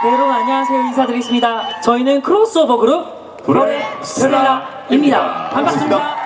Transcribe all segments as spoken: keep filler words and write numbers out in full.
네, 여러분 안녕하세요. 인사드리겠습니다. 저희는 크로스오버 그룹 브레스텔라입니다. 반갑습니다.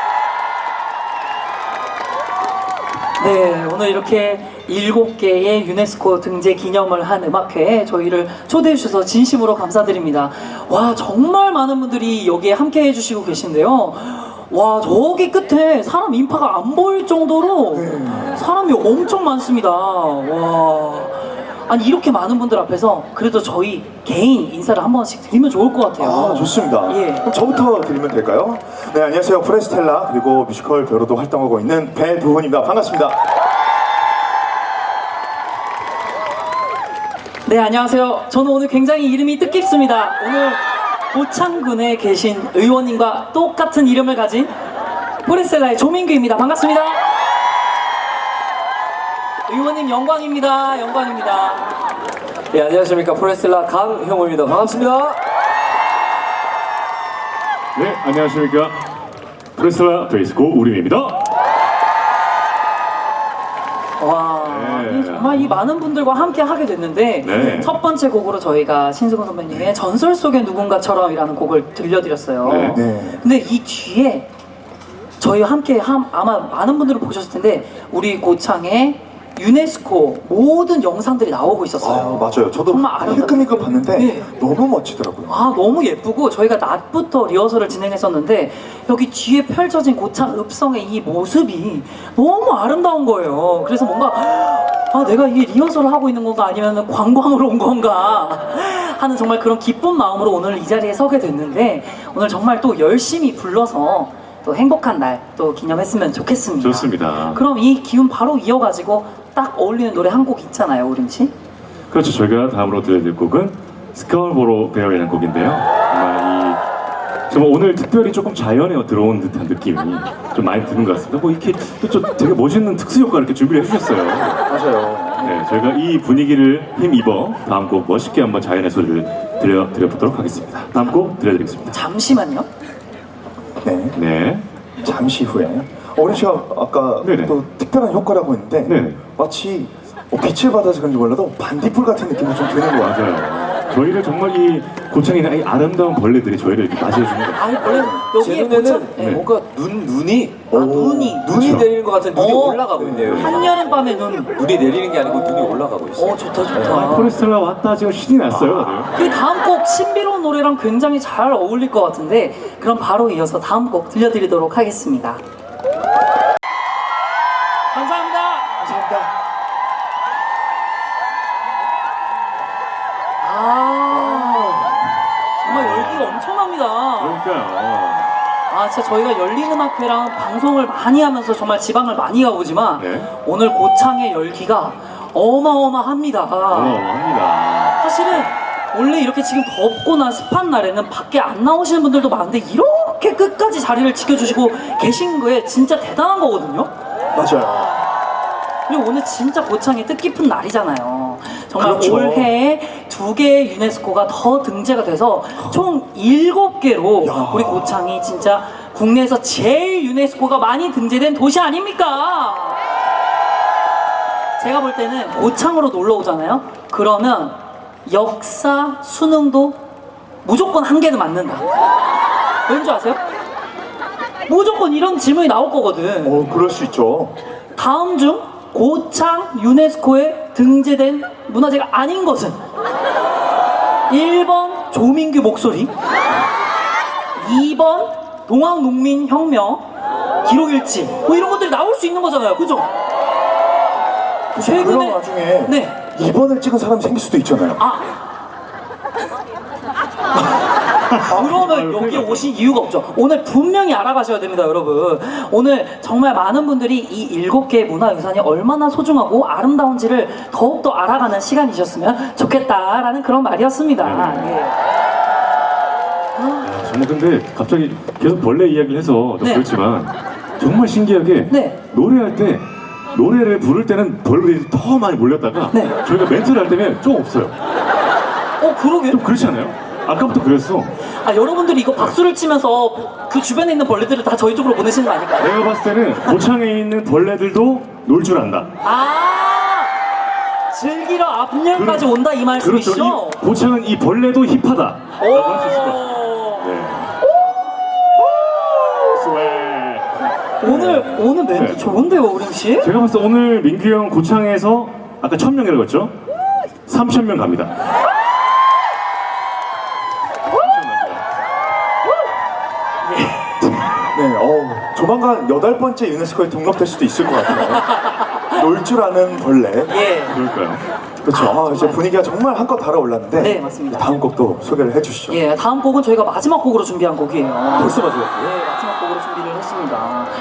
네, 오늘 이렇게 일곱 개의 유네스코 등재 기념을 한 음악회에 저희를 초대해 주셔서 진심으로 감사드립니다. 와, 정말 많은 분들이 여기에 함께 해주시고 계신데요. 와, 저기 끝에 사람 인파가 안 보일 정도로 사람이 엄청 많습니다. 와, 아니 이렇게 많은 분들 앞에서 그래도 저희 개인 인사를 한 번씩 드리면 좋을 것 같아요. 아, 좋습니다. 예. 그럼 저부터 드리면 될까요? 네, 안녕하세요. 프레스텔라 그리고 뮤지컬 배우로도 활동하고 있는 배두훈입니다. 반갑습니다. 네, 안녕하세요. 저는 오늘 굉장히 이름이 뜻깊습니다. 오늘 고창군에 계신 의원님과 똑같은 이름을 가진 프레스텔라의 조민규입니다. 반갑습니다. 의원님 영광입니다. 영광입니다. 예, 안녕하십니까. 프레스텔라 강형호입니다. 반갑습니다. 네, 안녕하십니까. 프레스텔라 베이스코 우림입니다. 와, 네. 정말 이 많은 분들과 함께 하게 됐는데 네. 첫 번째 곡으로 저희가 신승훈 선배님의 전설 속의 누군가처럼이라는 곡을 들려드렸어요. 네. 네. 근데 이 뒤에 저희와 함께 함, 아마 많은 분들은 보셨을 텐데 우리 고창의 유네스코 모든 영상들이 나오고 있었어요. 아, 맞아요. 저도 정말 아름답- 힐끔힐끔 봤는데 네. 너무 멋지더라고요. 아, 너무 예쁘고 저희가 낮부터 리허설을 진행했었는데 여기 뒤에 펼쳐진 고창 읍성의 이 모습이 너무 아름다운 거예요. 그래서 뭔가 아, 내가 이 리허설을 하고 있는 건가 아니면 관광으로 온 건가 하는 정말 그런 기쁜 마음으로 오늘 이 자리에 서게 됐는데 오늘 정말 또 열심히 불러서 또 행복한 날 또 기념했으면 좋겠습니다. 좋습니다. 그럼 이 기운 바로 이어가지고 딱 어울리는 노래 한 곡 있잖아요, 우림 씨. 그렇죠. 저희가 다음으로 들려드릴 곡은 스카울보로 베어이라는 곡인데요. 정말 이 정말 오늘 특별히 조금 자연에 들어온 듯한 느낌이 좀 많이 드는 것 같습니다. 뭐 이렇게 또 좀 되게 멋있는 특수 효과 이렇게 준비를 해주셨어요. 맞아요. 네, 저희가 이 분위기를 힘입어 다음 곡 멋있게 한번 자연의 소리를 들려 드려보도록 하겠습니다. 다음 곡 들려드리겠습니다. 잠시만요. 네. 네. 잠시 후에 어린 씨가 아까 네네. 또 특별한 효과라고 했는데 네네. 마치 어, 빛을 받아서 그런지 몰라도 반딧불 같은 느낌이 좀 드는 것 같아요. 맞아요. 저희를 정말 이 고창에 있는 이 아름다운 벌레들이 저희를 이렇게 맞이해주는 것 같아요. 아니, 원래 제 여기에 눈에는 고창- 네. 뭔가 눈, 눈이 아, 눈이 눈이 그렇죠. 내리는 것 같은 눈이 어. 올라가고 있네요. 한여름 밤에 눈. 눈이 내리는 게 아니고 눈이 올라가고 있어요. 어, 좋다 좋다. 포레스텔라 왔다 지금 신이 났어요, 다들. 그 다음 곡 신비로운 노래랑 굉장히 잘 어울릴 것 같은데 그럼 바로 이어서 다음 곡 들려드리도록 하겠습니다. 감사합니다. 감사합니다. 아, 정말 열기가 엄청납니다. 그러니까요. 아, 진짜 저희가 열린 음악회랑 방송을 많이 하면서 정말 지방을 많이 가보지만 네. 오늘 고창의 열기가 어마어마합니다. 어마어마합니다. 사실은 원래 이렇고 지금 덥거나 습한 날에는 밖에 안 나오시는 분들도 많은데 이렇게 끝까지 자리를 지켜주시고 계신 거에 진짜 대단한 거거든요. 맞아요. 그리고 오늘 진짜 고창의 뜻깊은 날이잖아요. 정말 그렇죠. 올해에 두 개의 유네스코가 더 등재가 돼서 총 일곱 개로 야. 우리 고창이 진짜 국내에서 제일 유네스코가 많이 등재된 도시 아닙니까? 제가 볼 때는 고창으로 놀러 오잖아요. 그러면 역사 수능도 무조건 한 개는 맞는다. 왠지 아세요? 무조건 이런 질문이 나올 거거든. 어, 그럴 수 있죠. 다음 중 고창 유네스코에 등재된 문화재가 아닌 것은 일 번 조민규 목소리, 이 번 동학농민혁명 기록일지 뭐 이런 것들이 나올 수 있는 거잖아요. 그죠? 그런 와중에 네. 이 번을 찍은 사람이 생길 수도 있잖아요. 아 그러면 여기 오신 이유가 없죠. 오늘 분명히 알아가셔야 됩니다, 여러분. 오늘 정말 많은 분들이 이 일곱 개의 문화유산이 얼마나 소중하고 아름다운지를 더욱더 알아가는 시간이셨으면 좋겠다라는 그런 말이었습니다. 예. 야, 정말 근데 갑자기 계속 벌레 이야기를 해서 좀 네. 그렇지만 정말 신기하게 네. 노래할 때 노래를 부를 때는 벌레들이 더 많이 몰렸다가 네. 저희가 멘트를 할 때면 좀 없어요. 어, 그러게. 좀 그렇지 않아요? 아까부터 그랬어. 아, 여러분들이 이거 박수를 치면서 그 주변에 있는 벌레들을 다 저희 쪽으로 보내시는 거 아닐까요? 내가 봤을 때는 고창에 있는 벌레들도 놀 줄 안다. 아, 즐기러 앞년까지 온다 이 그렇죠. 말씀이시죠? 이 고창은 이 벌레도 힙하다. 오. 라고 할 수 있을 것 같습니다. 네. 스웨. 오늘 오늘 멘트 네. 좋은데요, 우림 씨? 제가 봤을 때 오늘 민규 형 고창에서 아까 천 명이라고 했죠? 삼천 명 갑니다. 네, 어, 조만간 여덟 번째 유네스코에 등록될 수도 있을 것 같아요. 놀 줄 아는 벌레. 예. 그럴까요? 그렇죠. 아, 이제 분위기가 정말 한껏 달아올랐는데. 네, 맞습니다. 다음 곡도 소개를 해주시죠. 예, 다음 곡은 저희가 마지막 곡으로 준비한 곡이에요. 벌써 마지막 예, 마지막 곡으로 준비를 했습니다.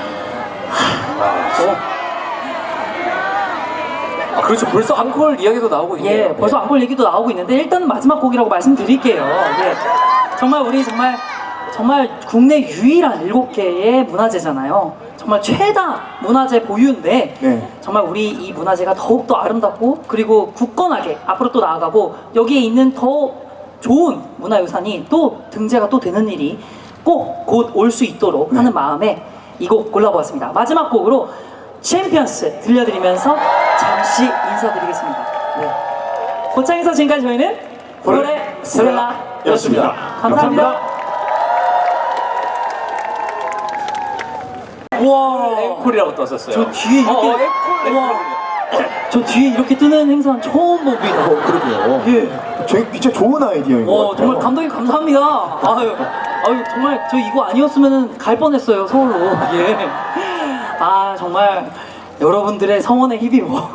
아 그렇죠. 벌써 앙콜 이야기도 나오고 있네요. 예, 벌써 앙콜 얘기도 나오고 있는데 일단은 마지막 곡이라고 말씀드릴게요. 예, 정말 우리 정말 정말 국내 유일한 일곱 개의 문화재잖아요. 정말 최다 문화재 보유인데 네. 정말 우리 이 문화재가 더욱더 아름답고 그리고 굳건하게 앞으로 또 나아가고 여기에 있는 더 좋은 문화유산이 또 등재가 또 되는 일이 꼭 곧 올 수 있도록 네. 하는 마음에 이 곡 골라보았습니다. 마지막 곡으로 챔피언스 들려드리면서 잠시 인사드리겠습니다. 네. 고창에서 지금까지 저희는 브로레 스텔라였습니다. 감사합니다. 우와, 앵콜이라고 떴었어요. 저 뒤에 이렇게 어, 어, 앵콜, 우와, 앵콜. 저 뒤에 이렇게 뜨는 행사는 처음 봅니다. 어, 그러게요. 예. 저, 진짜 좋은 아이디어인 것 어, 같아요. 정말 감독님 감사합니다. 아유, 아유 정말 저 이거 아니었으면 갈 뻔했어요 서울로. 예. 아 정말 여러분들의 성원에 힘입어.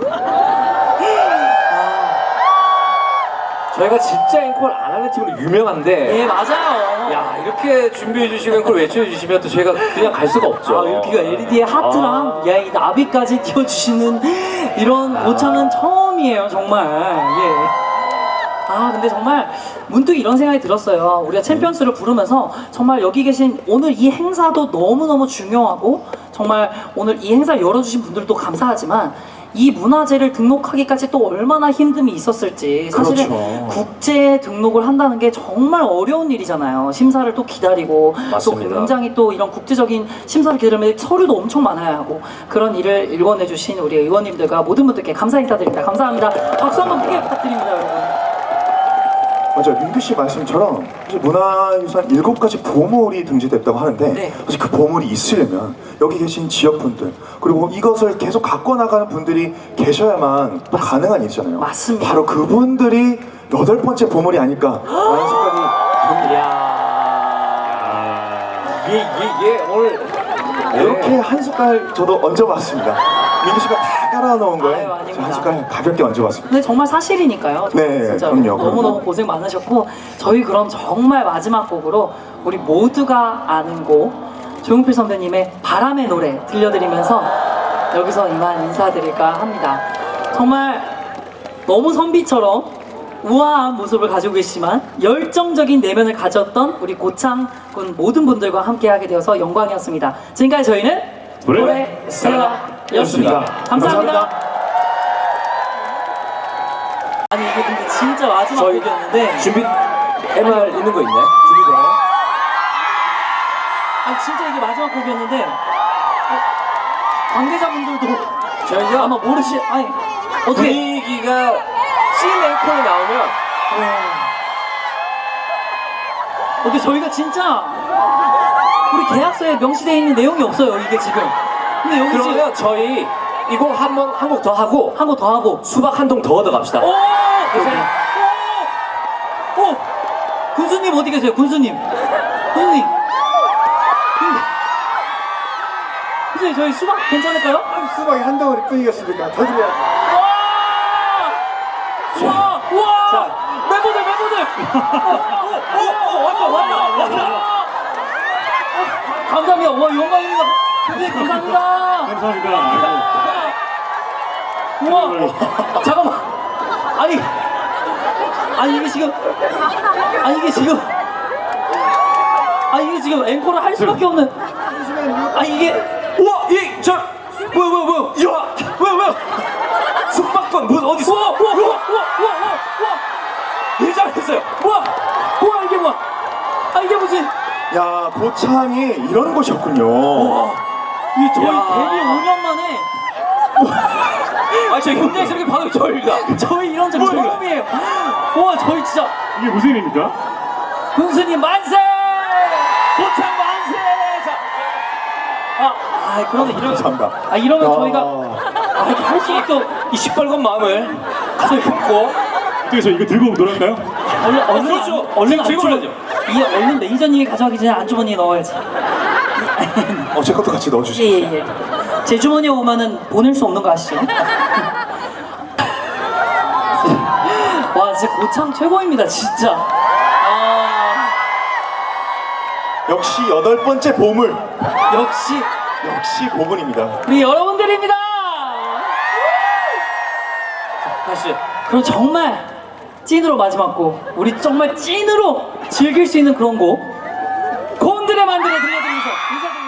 저희가 진짜 앵콜 안 하는 팀으로 유명한데 예 맞아요. 야 이렇게 준비해 주시고 앵콜 외쳐주시면 또 저희가 그냥 갈 수가 없죠. 아 이렇게 엘이디의 하트랑 아. 야 이 나비까지 띄워주시는 이런 고창은 처음이에요 정말. 예. 아 근데 정말 문득 이런 생각이 들었어요. 우리가 챔피언스를 부르면서 정말 여기 계신 오늘 이 행사도 너무너무 중요하고 정말 오늘 이 행사를 열어주신 분들도 감사하지만 이 문화재를 등록하기까지 또 얼마나 힘듦이 있었을지 사실은 그렇죠. 국제 등록을 한다는 게 정말 어려운 일이잖아요. 심사를 또 기다리고 맞습니다. 또 굉장히 또 이런 국제적인 심사를 기다리면 서류도 엄청 많아야 하고 그런 일을 일궈내 주신 우리 의원님들과 모든 분들께 감사 인사드립니다. 감사합니다. 박수 한번 크게 부탁드립니다, 여러분. 맞아요. 민규 씨 말씀처럼 사실 문화유산 일곱 가지 보물이 등재됐다고 하는데 네. 사실 그 보물이 있으려면 여기 계신 지역분들 그리고 이것을 계속 갖고 나가는 분들이 계셔야만 또 가능한 일이잖아요. 맞습니다. 바로 그분들이 여덟 번째 보물이 아닐까라는 생각이 듭니다. 이야 이게 이게 이게 오늘 이렇게 한 숟갈 저도 얹어봤습니다. 민규 씨가 다 깔아놓은 거에 아유, 저 아닙니다. 한 숟갈 가볍게 얹어봤습니다. 근데 정말 사실이니까요. 네, 진짜 그럼요, 너무너무 그럼요. 고생 많으셨고 저희 그럼 정말 마지막 곡으로 우리 모두가 아는 곡 조용필 선배님의 바람의 노래 들려드리면서 여기서 이만 인사드릴까 합니다. 정말 너무 선비처럼 우아한 모습을 가지고 계시지만 열정적인 내면을 가졌던 우리 고창군 모든 분들과 함께하게 되어서 영광이었습니다. 지금까지 저희는 브레 스텔라였습니다. 감사합니다. 감사합니다. 아니 이게 근데 진짜 마지막 저희 곡이었는데 준비 엠알 있는 거 있나요? 준비되나요? 아니 진짜 이게 마지막 곡이었는데 어, 관계자분들도 저희가 아마 모르시 아니 어떻게 분위기가 씬 앵콜이 나오면 어떻게 저희가 진짜 우리 계약서에 명시되어 있는 내용이 없어요 이게 지금. 근데 여기 지금 그러면 저희 이 곡 한 번 한 곡 더 하고 한 곡 더 하고 수박 한 통 더 얻어 갑시다. 오! 계세요? 오! 오! 군수님 어디 계세요? 군수님. 군수님. 군수님 저희 수박 괜찮을까요? 수박이 한 덩어리 뿐이겠습니까? 더 드려야 우와! 우와! 멤버들 멤버들! 오! 오! 왔다 왔다 왔다! 감사합니다. 와 영광입니다. 선생님 감사합니다. 감사합니다. 우와! 잠깐만. 아니 아니 이게 지금 아니 이게 지금 아니 이게 지금 앵콜을 할 수밖에 없는 아니 이게 우와 이저 뭐야 뭐야 뭐야 야 뭐야 뭐야 숙박권 뭐 어디서 우와 우와 우와 우와 우와 우와 예장했어요. 우와 우와 이게 뭐야 아 이게 무슨 야, 고창이 이런 곳이었군요. 우와 이게 저희 야. 데뷔 오 년 만에 아, 저 현장에서 이렇게 받은 게 저입니다. 저희 이런 적 뭐야, 이거? 처음이에요. 와, 저희 진짜 이게 무슨 일입니까? 군수님 만세! 고창 만세! 자, 아, 아 그러면 이러면 감사합니다. 아 이러면 야. 저희가 아 이렇게 할 수밖에 없. 이 시뻘건 마음을 가슴에 품고 어떻게 저 이거 들고 놀았나요? 얼른 얼른 그렇죠. 안- 얼른 지금 들고 안주머니- 이 얼른 매니저님이 가져가기 전에 안주머니에 넣어야지. 어, 제 것도 같이 넣어주시죠. 예예 예. 제 주머니에 오면은 보낼 수 없는 거 아시죠? 와 진짜 고창 최고입니다 진짜. 아 역시 여덟 번째 보물. 역시 역시 보물입니다. 우리 여러분들입니다. 다시. 그럼 정말 찐으로 마지막 곡 우리 정말 찐으로 즐길 수 있는 그런 곡 곤드레 만드레 들려드리면서 인사드립니다.